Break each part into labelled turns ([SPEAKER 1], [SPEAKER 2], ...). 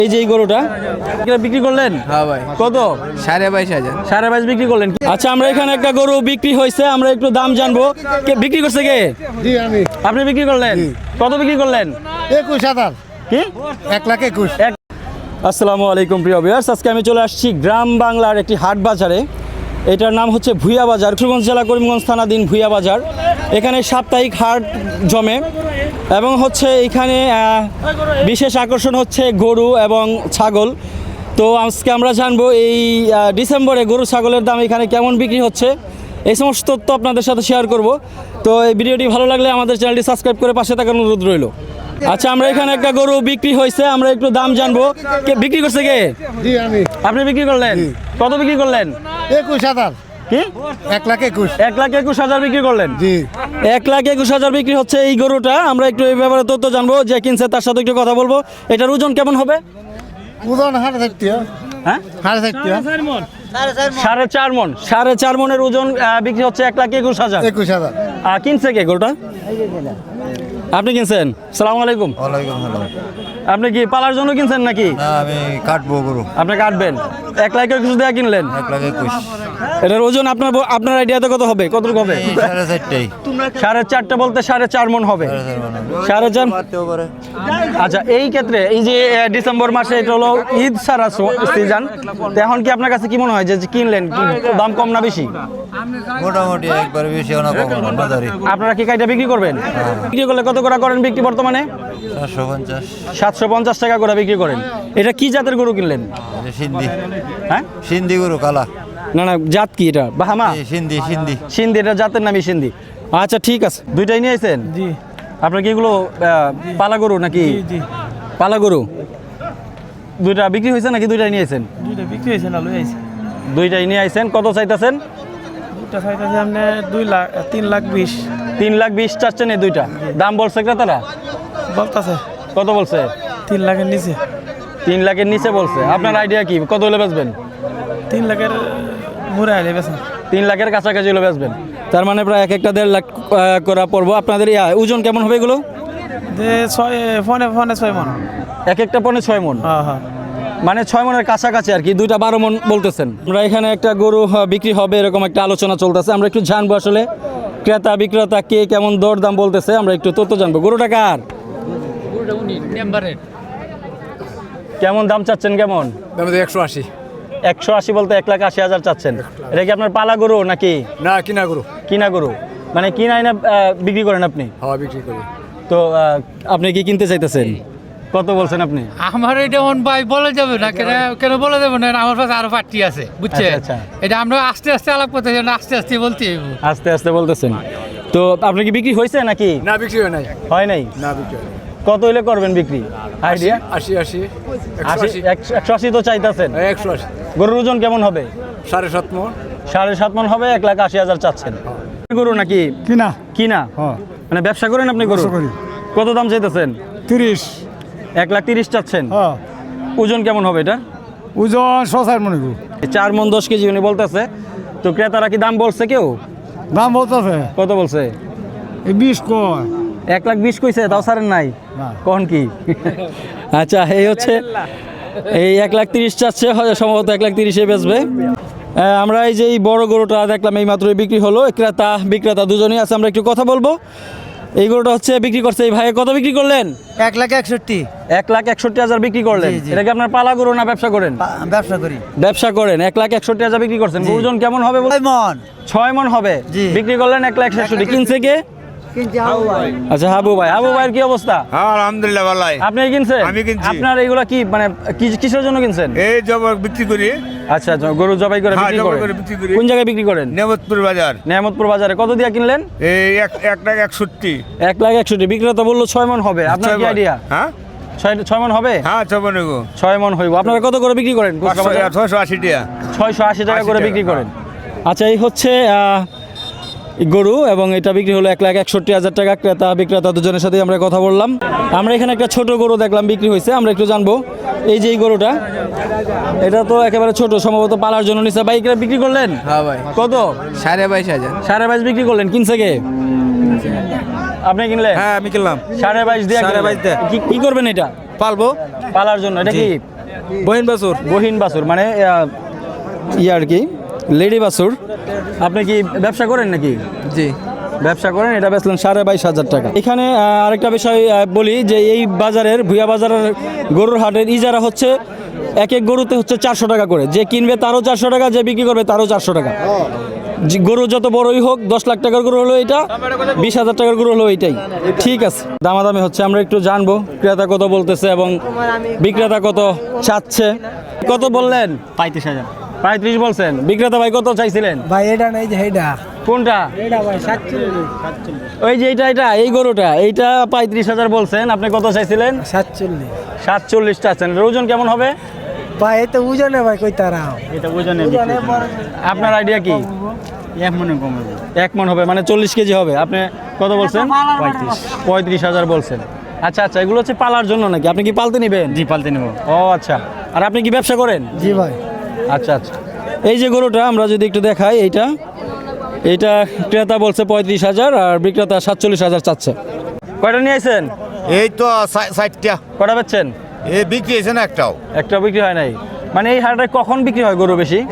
[SPEAKER 1] এই যে এই গরুটা বিক্রি করলেন?
[SPEAKER 2] হ্যাঁ ভাই।
[SPEAKER 1] কত?
[SPEAKER 2] 22,500।
[SPEAKER 1] 22.5 বিক্রি করলেন। আচ্ছা, আমরা এখানে একটা গরু বিক্রি হয়েছে, আমরা একটু দাম জানবো। কে বিক্রি করছে? কে?
[SPEAKER 3] জি আমি।
[SPEAKER 1] আপনি বিক্রি করলেন? কত বিক্রি করলেন?
[SPEAKER 3] 21,000।
[SPEAKER 1] কি?
[SPEAKER 3] 1,21,000।
[SPEAKER 1] আসসালামু আলাইকুম প্রিয় ভিউয়ার্স, আজকে আমি চলে আসছি গ্রাম বাংলার একটি হাট বাজারে। এটার নাম হচ্ছে ভুইয়া বাজার, কিশোরগঞ্জ জেলা করিমগঞ্জ থানাধীন ভুইয়া বাজার। এখানে সাপ্তাহিক হাট জমে এবং হচ্ছে এখানে বিশেষ আকর্ষণ হচ্ছে গরু এবং ছাগল। তো আজকে আমরা জানবো এই ডিসেম্বরে গরু ছাগলের দাম এখানে কেমন বিক্রি হচ্ছে, এই সমস্ত তথ্য আপনাদের সাথে শেয়ার করব। তো এই ভিডিওটি ভালো লাগলে আমাদের চ্যানেলটি সাবস্ক্রাইব করে পাশে থাকার অনুরোধ রইল। আচ্ছা, আমরা এখানে একটা গরু বিক্রি হয়েছে, আমরা একটু দাম জানবো। কে বিক্রি করছে? কে?
[SPEAKER 3] জি আমি।
[SPEAKER 1] আপনি বিক্রি করলেন? কত বিক্রি করলেন?
[SPEAKER 3] 21,000।
[SPEAKER 1] কি?
[SPEAKER 3] 1,21,000।
[SPEAKER 1] 1,21,000 বিক্রি করলেন?
[SPEAKER 3] জি।
[SPEAKER 1] 1,21,000 বিক্রি হচ্ছে এই গরুটা। আমরা একটু এই ব্যাপারে তথ্য জানবো, যে কিনছে তার সাথে একটু কথা বলবো। এটার ওজন কেমন হবে?
[SPEAKER 3] ওজন 4.5।
[SPEAKER 1] হ্যাঁ,
[SPEAKER 3] 4.5।
[SPEAKER 1] 4.5 মন। 4.5 মনের ওজন বিক্রি হচ্ছে 1,21,000।
[SPEAKER 3] 21,000।
[SPEAKER 1] কিনছে কে গরুটা? আপনি কিনছেন? সালাম আলাইকুম।
[SPEAKER 4] ওয়ালাইকুম সালাম।
[SPEAKER 1] আপনি কি পালার জন্য কিনছেন নাকি?
[SPEAKER 4] না, আমি কাটবো গরু।
[SPEAKER 1] আপনি কাটবেন? 1,21,000 দিয়ে কিনলেন?
[SPEAKER 4] 1,21,000।
[SPEAKER 1] এটার ওজন আপনার আইডিয়াতে কত হবে? কতটুকু হবে?
[SPEAKER 4] 4.5টাই।
[SPEAKER 1] 4.5 বলতে 4.5 মন হবে। 4.5।
[SPEAKER 4] মারতেও পারে।
[SPEAKER 1] আচ্ছা, এই ক্ষেত্রে এই যে ডিসেম্বর মাসে এটা হলো ঈদ সারা সিজন, তো এখন কি আপনার কাছে কি মনে হয় যে কিনলেন কি দাম কম না বেশি?
[SPEAKER 4] মোটামুটি একবার বেশি না কম না বাজারে।
[SPEAKER 1] আপনারা কি কাইটা বিক্রি করবেন? বিক্রি করলে কত করে করেন বিক্রি বর্তমানে?
[SPEAKER 4] 450।
[SPEAKER 1] 750 টাকা করে বিক্রি করেন। এটা কি জাতের গরু কিনলেন?
[SPEAKER 4] সিন্ধি।
[SPEAKER 1] হ্যাঁ,
[SPEAKER 4] সিন্ধি গরু কালা।
[SPEAKER 1] না না, জাত কি এটা? বাহামা?
[SPEAKER 4] সিন্ধি সিন্ধি।
[SPEAKER 1] সিন্ধি, এটা জাতের নামই সিন্ধি। আচ্ছা ঠিক আছে, দুইটাই নিয়ে আসেন?
[SPEAKER 2] জি
[SPEAKER 1] আপনার কি এগুলো পালা গরু নাকি?
[SPEAKER 2] জি।
[SPEAKER 1] পালা গরু দুইটা বিক্রি হয়েছে নাকি দুইটাই নিয়ে আসেন?
[SPEAKER 2] দুইটা বিক্রি হয়েছে না, লই আইছে।
[SPEAKER 1] দুইটাই নিয়ে আসেন। কত চাইতেছেন?
[SPEAKER 2] দুইটা চাইতেছে আপনি 2 লাখ 3,20,000
[SPEAKER 1] 3,20,000 চাচ্ছেন এই দুইটা? দাম বলছে ক্রেতারা?
[SPEAKER 2] বলতাছে
[SPEAKER 1] কত বলছে?
[SPEAKER 2] 3 লাখের নিচে।
[SPEAKER 1] 3 লাখের নিচে বলছে। আপনার আইডিয়া কি কত হলে বেচবেন?
[SPEAKER 2] 3 লাখের মুড়ে আইলে বেছেন।
[SPEAKER 1] 3 লাখের কাছাকাছি হলে বেচবেন। তার মানে প্রায় এক একটা 1.5 লাখ করা পড়বো। আপনাদের ওজন কেমন হবে এগুলো?
[SPEAKER 2] যে 6 মন।
[SPEAKER 1] এক একটা পনে 6 মন,
[SPEAKER 2] হ্যাঁ হ্যাঁ।
[SPEAKER 1] মানে 6 মনের কাছাকাছি আর কি। দুইটা 12 মন বলতেছেন। আমরা এখানে একটা গরু বিক্রি হবে এরকম একটা আলোচনা চলতেছে। আমরা একটু জানবো আসলে ক্রেতা বিক্রেতা কে কেমন দর দাম বলতেছে, আমরা একটু তথ্য জানবো। গরুটা কার? কেমন দাম চাচ্ছেন? কেমন?
[SPEAKER 3] 180।
[SPEAKER 1] 180 বলতে 1,80,000 চাচ্ছেন। এটা কি আপনার পালা গরু নাকি?
[SPEAKER 3] না, কিনা গরু।
[SPEAKER 1] কিনা গরু, মানে কিনা না বিক্রি করেন আপনি?
[SPEAKER 3] হ্যাঁ, বিক্রি করি।
[SPEAKER 1] তো আপনি কি কিনতে চাইতেছেন? কত বলছেন আপনি?
[SPEAKER 5] আমার এটা অন ভাই বলা যাবে না, কেন কেন বলা যাবে না? আমার কাছে আরো পার্টি আছে, বুঝছে?
[SPEAKER 1] আচ্ছা।
[SPEAKER 5] এটা আমরা আস্তে আস্তে আলাপ করতে চাই না, আস্তে আস্তে বলতে হইব।
[SPEAKER 1] আস্তে আস্তে বলতেছেন। তো আপনি কি বিক্রি হয়েছে নাকি?
[SPEAKER 3] না, বিক্রি হয় নাই।
[SPEAKER 1] হয় নাই?
[SPEAKER 3] না, বিক্রি হয় নাই।
[SPEAKER 1] কত হইলে করবেন বিক্রি? আইডিয়া?
[SPEAKER 3] 80।
[SPEAKER 1] 180 তো চাইতেছেন।
[SPEAKER 3] 180।
[SPEAKER 1] গরুর ওজন কেমন হবে?
[SPEAKER 3] 7.5 মন।
[SPEAKER 1] 7.5 মন হবে। 1,80,000 চাচ্ছেন। গরু নাকি
[SPEAKER 3] কিনা।
[SPEAKER 1] কিনা?
[SPEAKER 3] হ্যাঁ।
[SPEAKER 1] মানে ব্যবসা করেন আপনি গরু?
[SPEAKER 3] ব্যবসা করি।
[SPEAKER 1] কত দাম চাইতেছেন?
[SPEAKER 3] 30।
[SPEAKER 1] 1,30,000 চাচ্ছেন।
[SPEAKER 3] হ্যাঁ।
[SPEAKER 1] ওজন কেমন হবে এটা?
[SPEAKER 3] ওজন 6 মন গরু।
[SPEAKER 1] 4 মন 10 কেজি উনি বলতেছে। তো ক্রেতারা কি দাম বলছে কেউ?
[SPEAKER 3] দাম বলতেছে
[SPEAKER 1] কত বলছে?
[SPEAKER 3] 20 কয়।
[SPEAKER 1] 1,20,000 কইছে, তাও ছাড়েন নাই?
[SPEAKER 3] না।
[SPEAKER 1] কখন কি? আচ্ছা, এই হচ্ছে এই 1,30,000 চাচ্ছে, সম্ভবত 1,30,000 বেচবে। আমরা এই যে এই বড় গরুটা দেখলাম এই মাত্রই বিক্রি হলো। ক্রেতা বিক্রেতা দুজনেই আছে, আমরা একটু কথা বলবো। এই গরুটা হচ্ছে বিক্রি করছে এই ভাই। কত বিক্রি করলেন?
[SPEAKER 6] 1,61,000।
[SPEAKER 1] 1,61,000 বিক্রি করলেন। এটা কি আপনার পালা গরু না ব্যবসা করেন?
[SPEAKER 6] ব্যবসা করি।
[SPEAKER 1] ব্যবসা করেন। 1,61,000 বিক্রি করছেন। ওজন কেমন হবে?
[SPEAKER 6] 6 মন।
[SPEAKER 1] 6 মন হবে।
[SPEAKER 6] জি।
[SPEAKER 1] বিক্রি করলেন 1,61,000। কিনছে কে?
[SPEAKER 6] কিনছি হাবু ভাই।
[SPEAKER 1] আচ্ছা, হাবু ভাই। হাবু ভাইয়ের কি অবস্থা?
[SPEAKER 7] হ্যাঁ, আলহামদুলিল্লাহ ভালাই।
[SPEAKER 1] আপনি কিনছেন?
[SPEAKER 7] আমি কিনছি।
[SPEAKER 1] আপনার এইগুলা কি মানে কিসের জন্য কিনছেন?
[SPEAKER 7] এই জব বিক্রি করি।
[SPEAKER 1] আচ্ছা, গরু জবাই করে
[SPEAKER 7] হ্যাঁ,
[SPEAKER 1] বিক্রি
[SPEAKER 7] জবাই
[SPEAKER 1] করেন।
[SPEAKER 7] করে বিক্রি করি।
[SPEAKER 1] কোন জায়গায় বিক্রি করেন?
[SPEAKER 7] নেমতপুর বাজার।
[SPEAKER 1] নেয়ামতপুর বাজারে। কত দিয়া কিনলেন?
[SPEAKER 7] এই 1,61,000।
[SPEAKER 1] 1,61,000। বিক্রেতা বললো 6 মন হবে। আপনার কি আইডিয়া?
[SPEAKER 7] হ্যাঁ
[SPEAKER 1] 6 মন হবে?
[SPEAKER 7] হ্যাঁ,
[SPEAKER 1] 6 মন হইব। আপনারা কত করে বিক্রি করেন?
[SPEAKER 7] 680 টাকা।
[SPEAKER 1] 680 টাকা করে
[SPEAKER 7] 80
[SPEAKER 1] বিক্রি
[SPEAKER 7] টাকা,
[SPEAKER 1] করেন। আচ্ছা, এই হচ্ছে গরু এবং এটা বিক্রি হলো 1,61,000 টাকা। ক্রেতা বিক্রেতা দুজনের সাথে আমরা কথা বললাম। আমরা এখানে একটা ছোট গরু দেখলাম বিক্রি হয়েছে, আমরা একটু জানবো। এই যে এই গরুটা, এটা তো একেবারে ছোট, সম্ভবত পালার জন্য নিচে। বাইক বিক্রি করলেন?
[SPEAKER 2] হ্যাঁ ভাই।
[SPEAKER 1] কত?
[SPEAKER 2] 22,500।
[SPEAKER 1] 22.5 বিক্রি করলেন। কিনছে কে? আপনি কিনলেন?
[SPEAKER 2] হ্যাঁ, আমি কিনলাম।
[SPEAKER 1] 22.5 দিয়ে
[SPEAKER 2] 22.5 দিয়ে।
[SPEAKER 1] কি করবেন এটা?
[SPEAKER 2] পালবো।
[SPEAKER 1] পালার জন্য। এটা কি
[SPEAKER 2] বহিন বাসুর
[SPEAKER 1] বহিন বাছুর মানে আর কি লেডি বাছুর। আপনি কি ব্যবসা করেন নাকি?
[SPEAKER 2] জি।
[SPEAKER 1] ব্যবসা করেন, এটা বেচলেন 22,500 টাকা। এখানে আরেকটা বিষয় বলি যে এই বাজারের ভুয়া বাজারের গরুর হাটের ইজারা হচ্ছে এক এক গরুতে হচ্ছে 400 টাকা করে। যে কিনবে তারও 400 টাকা, যে বিক্রি করবে তারও 400 টাকা। গরু যত বড়ই হোক, 10 লাখ টাকার গরু হলো এটা, 20,000 টাকার গরু হলো এইটাই। ঠিক আছে, দামাদামি হচ্ছে, আমরা একটু জানবো ক্রেতা কত বলতেছে এবং বিক্রেতা কত চাচ্ছে। কত বললেন?
[SPEAKER 6] 35,000
[SPEAKER 1] 35 বলছেন। বিক্রেতা ভাই কত চাইছিলেন?
[SPEAKER 6] ভাই এটা নাই যে এইটা
[SPEAKER 1] কোনটা?
[SPEAKER 6] এটা ভাই 47
[SPEAKER 1] ওই যে এটা এই গরুটা, এইটা 35,000 বলছেন। আপনি কত চাইছিলেন? 47 চাচ্ছেন। এর ওজন কেমন হবে?
[SPEAKER 6] ভাই এটা ওজনে ভাই কই তারা
[SPEAKER 1] এটা ওজনে আপনার আইডিয়া কি?
[SPEAKER 6] 1 মনে কমে
[SPEAKER 1] 1 মণ হবে, মানে 40 কেজি হবে। আপনি কত বলছেন? 35,000 বলছেন। আচ্ছা আচ্ছা, এগুলো হচ্ছে পালার জন্য নাকি? আপনি কি পালতে নেবেন?
[SPEAKER 6] জি পালতে নেব।
[SPEAKER 1] ও আচ্ছা। আর আপনি কি ব্যবসা করেন?
[SPEAKER 6] জি ভাই।
[SPEAKER 1] আচ্ছা আচ্ছা, এই যে গরুটা আমরা যদি একটু দেখাই, এইটা ক্রেতা বলছে 35,000 আর বিক্রেতা 47,000 চাচ্ছে। কয়টা নিয়ে আসেন?
[SPEAKER 4] এই তো 60টা।
[SPEAKER 1] কটা বেচছেন?
[SPEAKER 4] এই বিক্রি হয়েছে না একটাও।
[SPEAKER 1] একটা বিক্রি হয় নাই। মানে এই হাটে কখন বিক্রি হয় গরু বেশি?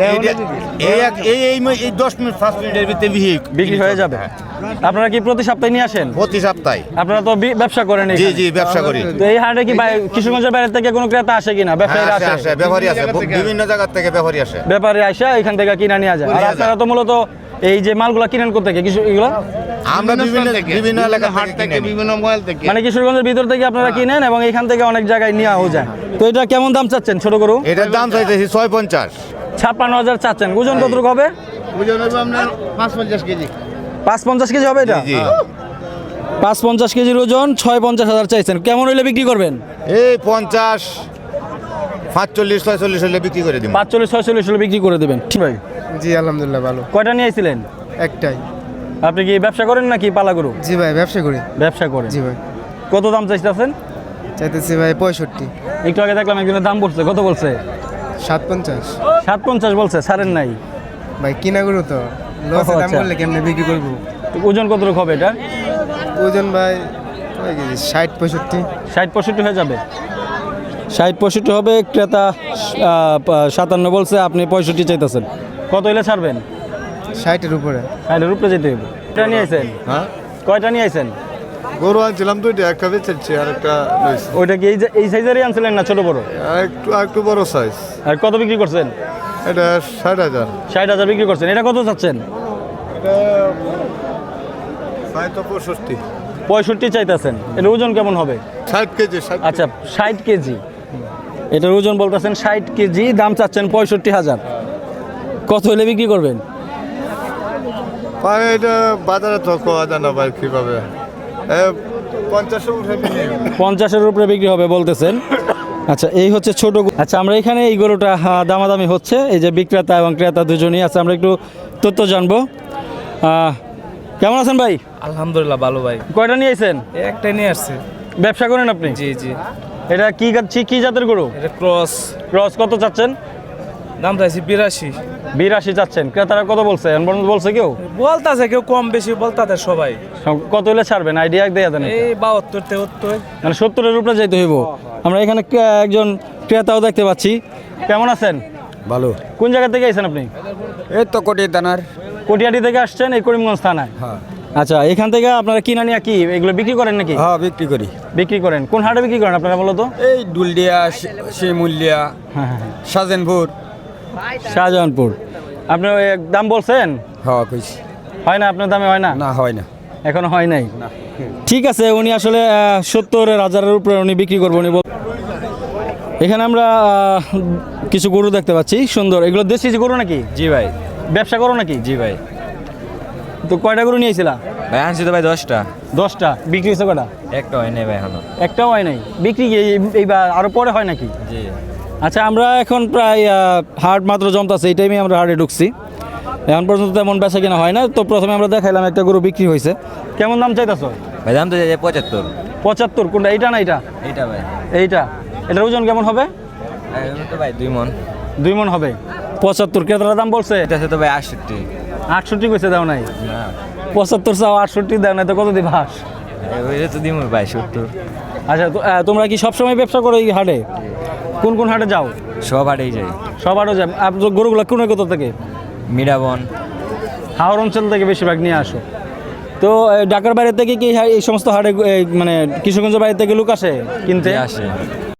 [SPEAKER 4] এই 10 মিনিট 5 মিনিটের ভিতরে
[SPEAKER 1] বিক্রি হয়ে যাবে। আপনারা কি প্রতি সপ্তাহে নিয়ে আসেন?
[SPEAKER 4] প্রতি সপ্তাহে।
[SPEAKER 1] আপনারা তো ব্যবসা করেন
[SPEAKER 4] জি
[SPEAKER 1] এখানে।
[SPEAKER 4] জি ব্যবসা করি।
[SPEAKER 1] তো এই হাটে কি কিশোরগঞ্জের বাইরে থেকে কোনো ক্রেতা আসে কিনা? ব্যবসায়ীরা
[SPEAKER 4] আসে
[SPEAKER 1] আসে?
[SPEAKER 4] আসে, ব্যাপারী আসে, বিভিন্ন জায়গা থেকে ব্যাপারী আসে।
[SPEAKER 1] ব্যাপারে আসে এখান থেকে কিনা নিয়ে যায়। আর
[SPEAKER 4] নিয়ে যায়।
[SPEAKER 1] আপনারা তো মূলত এই যে মালগুলা কিনেন কোথা থেকে? এগুলো
[SPEAKER 4] আমরা বিভিন্ন এলাকা থেকে বিভিন্ন মোবাইল থেকে।
[SPEAKER 1] মানে কিশোরগঞ্জের ভিতর থেকে আপনারা কিনেন এবং এখান থেকে অনেক জায়গায় নিয়েও যায়। তো এটা কেমন দাম চাচ্ছেন ছোট গরু?
[SPEAKER 4] এটার দাম চাইতেছি 650।
[SPEAKER 1] 56,000 চাচ্ছেন। ওজন কতটুকু হবে?
[SPEAKER 4] ওজন হবে আপনার 550 কেজি।
[SPEAKER 1] 550 কেজি হবে এটা?
[SPEAKER 4] জি
[SPEAKER 1] 550 কেজির ওজন, 56,000 চাইছেন। কেমন হইলে বিক্রি করবেন?
[SPEAKER 4] এই 50 45 46 হলে বিক্রি করে দিব।
[SPEAKER 1] 45 46 হলে বিক্রি করে দেবেন। ঠিক ভাই।
[SPEAKER 2] জি আলহামদুলিল্লাহ ভালো।
[SPEAKER 1] কয়টা নিয়ে আসছিলেন?
[SPEAKER 2] একটাই।
[SPEAKER 1] আপনি কি ব্যবসা করেন নাকি পালা গরু?
[SPEAKER 2] জি ভাই ব্যবসা করি।
[SPEAKER 1] ব্যবসা করেন।
[SPEAKER 2] জি ভাই।
[SPEAKER 1] কত দাম চাইতেছেন?
[SPEAKER 2] চাইতেছি ভাই 65।
[SPEAKER 1] একটু আগে দেখলাম একজনের দাম বলছে, কত বলছে?
[SPEAKER 2] 57।
[SPEAKER 1] 57 বলছে, ছাড়েন নাই।
[SPEAKER 2] ভাই কিনা গরু তো লসে দাম
[SPEAKER 1] আচ্ছা।
[SPEAKER 2] বললে কেমনে বিক্রি করব?
[SPEAKER 1] তো ওজন কতটুকু হবে এটা?
[SPEAKER 2] ওজন ভাই কয় কেজি? 60 65।
[SPEAKER 1] 60 65 হয়ে যাবে। 60 65 হবে। ক্রেতা 57 বলছে, আপনি 65 চাইতেছেন। কত হইলে ছাড়বেন?
[SPEAKER 2] 60-এর উপরে।
[SPEAKER 1] 60-এর উপরে যেতে হবে। কয়টা নিয়ে আইছেন?
[SPEAKER 3] হ্যাঁ,
[SPEAKER 1] কয়টা নিয়ে আইছেন?
[SPEAKER 3] গরু আনছিলাম দুইটা, একটা বেচেছি আর একটা লইছি।
[SPEAKER 1] ওইটা কি এই সাইজেরই আনছিলেন না ছোট বড়?
[SPEAKER 3] একটু বড় সাইজ।
[SPEAKER 1] আর কত বিক্রি করছেন?
[SPEAKER 3] এটা 60,000।
[SPEAKER 1] 60,000 বিক্রি করছেন। এটা কত চাচ্ছেন?
[SPEAKER 3] তো 65।
[SPEAKER 1] 65 চাইতেছেন। এর ওজন কেমন হবে?
[SPEAKER 3] 60 কেজি।
[SPEAKER 1] আচ্ছা 60 কেজি। এটার ওজন বলতেছেন 60 কেজি, দাম চাচ্ছেন 65,000। কত হলে বিক্রি করবেন?
[SPEAKER 3] ভাই এটা বাজারে তো কোয়া যায় না ভাই, কিভাবে 50-এর উপরে
[SPEAKER 1] 50-এর উপরে বিক্রি হবে বলতেছেন। আচ্ছা, এই হচ্ছে ছোট গরু। আচ্ছা, আমরা এখানে এই গরুটা দামাদামি হচ্ছে, এই যে বিক্রেতা এবং ক্রেতা দুজনই আছে। আমরা একটু তথ্য জানবো। কেমন আছেন ভাই?
[SPEAKER 2] আলহামদুলিল্লাহ ভালো ভাই।
[SPEAKER 1] কয়টা নিয়ে আইছেন?
[SPEAKER 2] একটাই নিয়ে আসছে।
[SPEAKER 1] ব্যবসা করেন আপনি?
[SPEAKER 2] জি জি।
[SPEAKER 1] এটা কি জাতের গরু?
[SPEAKER 2] এটা ক্রস।
[SPEAKER 1] ক্রস। কত চাচ্ছেন?
[SPEAKER 2] দাম চাইছি 82।
[SPEAKER 1] 82 চাচ্ছেন। ক্রেতারা কত বলছে? বলছে কেউ?
[SPEAKER 2] বলতাছে কেউ কম বেশি বলতাছে সবাই।
[SPEAKER 1] কত হলে ছাড়বেন? আইডিয়া দেয়া দেন।
[SPEAKER 2] এই 72 73।
[SPEAKER 1] মানে 70-এর উপরে যাইতে হইব। আমরা এখানে একজন ক্রেতাও দেখতে পাচ্ছি। কেমন আছেন?
[SPEAKER 3] ভালো।
[SPEAKER 1] কোন জায়গা থেকে আইছেন আপনি?
[SPEAKER 3] এই তো কোটি দানার।
[SPEAKER 1] কটিয়াটি থেকে আসছেন এই করিমগঞ্জ থানায়?
[SPEAKER 3] হ্যাঁ
[SPEAKER 1] আচ্ছা, এখান থেকে আপনারা কিনা নিয়ে কি এগুলো বিক্রি করেন নাকি?
[SPEAKER 3] হ্যাঁ, বিক্রি করি।
[SPEAKER 1] বিক্রি করেন। কোন হাটে বিক্রি করেন আপনারা বলো তো?
[SPEAKER 3] এই দুলডিয়া, শিমুলিয়া,
[SPEAKER 1] হ্যাঁ,
[SPEAKER 3] সাজেনপুর।
[SPEAKER 1] শাহজাহানপুর। আপনি ওই দাম বলছেন?
[SPEAKER 3] হ্যাঁ কইছি।
[SPEAKER 1] হয় না আপনার দামে? হয় না?
[SPEAKER 3] না হয় না।
[SPEAKER 1] এখনো হয় নাই। ঠিক আছে, উনি আসলে 70,000-এর উপরে উনি বিক্রি করবো উনি। এখানে আমরা কিছু গরু দেখতে পাচ্ছি সুন্দর। এগুলো দেশি গরু নাকি?
[SPEAKER 2] জি ভাই।
[SPEAKER 1] ব্যবসা করো নাকি?
[SPEAKER 2] জি ভাই।
[SPEAKER 1] তো কয়টা গরু নিয়েছিলা?
[SPEAKER 2] ভাই আনছি তো ভাই 10টা।
[SPEAKER 1] 10টা। বিক্রি হয়েছে কটা?
[SPEAKER 2] একটা হয় নাই ভাই এখনো।
[SPEAKER 1] একটাও হয় নাই। বিক্রি কি এইবার আরো পরে হয় নাকি?
[SPEAKER 2] জি।
[SPEAKER 1] আচ্ছা, আমরা এখন প্রায় হাট মাত্র জমতাছে, এই টাইমে আমরা হাটে ঢুকছি। এখন পর্যন্ত তেমন বেচা কিনা হয় না। তো প্রথমে আমরা দেখাইলাম একটা গরু বিক্রি হয়েছে। কেমন দাম চাইতেছ?
[SPEAKER 2] ভাই দাম তো 75।
[SPEAKER 1] 75? কোনটা? এইটা না এইটা?
[SPEAKER 2] এইটা ভাই।
[SPEAKER 1] এইটা। এটার ওজন কেমন হবে?
[SPEAKER 2] তো ভাই 2 মণ।
[SPEAKER 1] 2 মণ হবে। 75 ক্রেতার দাম বলছে?
[SPEAKER 2] এটা তো ভাই 68।
[SPEAKER 1] 68 কইছে, দাও নাই?
[SPEAKER 2] না
[SPEAKER 1] 75 চাও, 68 দাও নাই, তো কত দিবাস?
[SPEAKER 2] এটা তো দিমু ভাই 70।
[SPEAKER 1] আচ্ছা, তোমরা কি সবসময় ব্যবসা করো এই হাটে? কোন কোন হাটে যাও?
[SPEAKER 8] সব হাটেই যাই।
[SPEAKER 1] সব হাটে যাও। আপনার গরুগুলো কোন কোথা থেকে?
[SPEAKER 8] মিরাবন।
[SPEAKER 1] হাওড় অঞ্চল থেকে বেশিরভাগ নিয়ে আসো। তো ঢাকার বাইরে থেকে কি এই সমস্ত হাটে মানে কিশোরগঞ্জের বাইরে থেকে লোক আসে কিনতে?
[SPEAKER 8] আসে।